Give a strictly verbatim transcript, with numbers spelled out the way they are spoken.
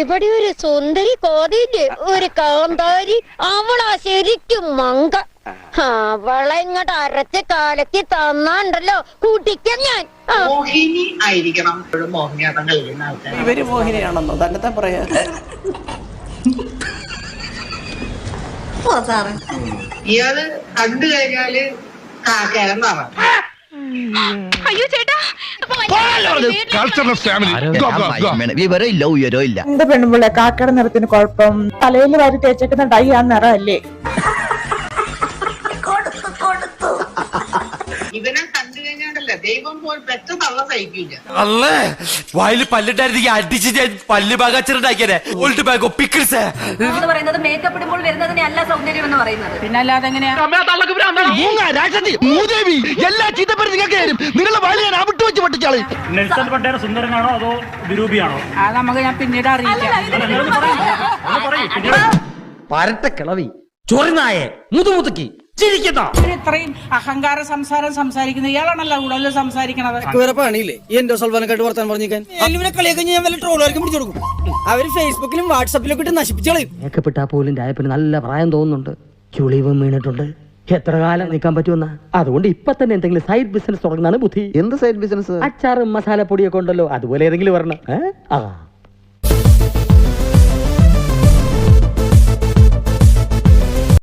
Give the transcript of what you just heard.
ഇവിടെ ഒരു സുന്ദരി കോതിയില്ലേ, ഒരു കാന്താരി, അവളാ ശരിക്കും മങ്ക. അവളെ ഇങ്ങോട്ട് അരച്ച് കാലത്തി തന്നാണ്ടല്ലോ കുടിക്കാൻ ഞാൻ. മോഹിനി ആയിരിക്കണം മോഹിനിയാട്ടം കളിക്കുന്ന ആൾക്കാർ. ഇവര് മോഹിനിയാണെന്നോ തന്നെ പറയാ? ഇയാള് കണ്ടു കഴിഞ്ഞാല് കാക്കേരെന്നാണ്. അയ്യോ ചേട്ടാ, വിവരമില്ല ഉയരോ ഇല്ല. എന്റെ പെണ്ണുമ്പിള്ള കാക്കയുടെ നിറത്തിന് കുഴപ്പം, തലയിൽ വാരി തേച്ചേക്കുന്ന ഡൈ ആ നിറമല്ലേ? ഇവനെ കണ്ടു കഴിഞ്ഞാണ്ടല്ല ദൈവം പോൽ പെറ്റ തള്ള സഹിക്കില്ല. അല്ലേ വായില് പല്ലിട്ടായിരുന്നെങ്കിൽ അടിച്ച് ഞാൻ പല്ല് ബാഗാച്ചിട്ടുണ്ടാക്കിയേ. ഓൾഡ് ബാഗോ പിക്കിൾസ് പറയുന്നത് മേക്കപ്പ് ഇടുമ്പോൾ വരുന്നതിനെ അല്ല സൗന്ദര്യം എന്ന് പറയുന്നത്. പിന്നെ അല്ലാതെ എങ്ങനെയാ? എല്ലാ ചീത്തപ്പേരും നിങ്ങൾക്ക് തരും. നിങ്ങളുടെ വായിൽ ഞാൻ അവിട്ട് വെച്ച് പൊട്ടിച്ചാളി. നെൽസൺ മണ്ടേല സുന്ദരനാണോ അതോ വിരൂപിയാണോ? അത് നമുക്ക് ഞാൻ പിന്നീട് അറിയിക്കാം. പരട്ട കിളവി ചൊറിനായെ മുതുമുതുക്കി ചിരിക്കുന്ന ഇത്രയും അഹങ്കാര സംസാരം സംസാരിക്കുന്ന ഇയാളാണല്ലോ കൂടുതൽ സംസാരിക്കണത്. പണിയില്ലേ ഈ എന്റെ സൽവാനക്കായിട്ട് വർത്താൻ പറഞ്ഞിരിക്കാൻ? കളിയൊക്കെ ഞാൻ വല്ല ട്രോളുകാർക്കും പിടിച്ചു കൊടുക്കും. അവര് ഫേസ്ബുക്കിലും വാട്സാപ്പിലൊക്കെ ഇട്ട് നശിപ്പിച്ചോളൂ. മേക്കപ്പെട്ടാ പോലും രായപ്പിന് നല്ല പ്രായം തോന്നുന്നുണ്ട്. ചുളിവും വീണിട്ടുണ്ട്. എത്ര കാലം നിൽക്കാൻ പറ്റുമെന്ന? അതുകൊണ്ട് ഇപ്പൊ തന്നെ എന്തെങ്കിലും സൈഡ് ബിസിനസ് തുടങ്ങുന്നതാണ് ബുദ്ധി. എന്ത് സൈഡ് ബിസിനസ്? അച്ചാറും മസാലപ്പൊടിയൊക്കെ ഉണ്ടല്ലോ, അതുപോലെ ഏതെങ്കിലും വരണം.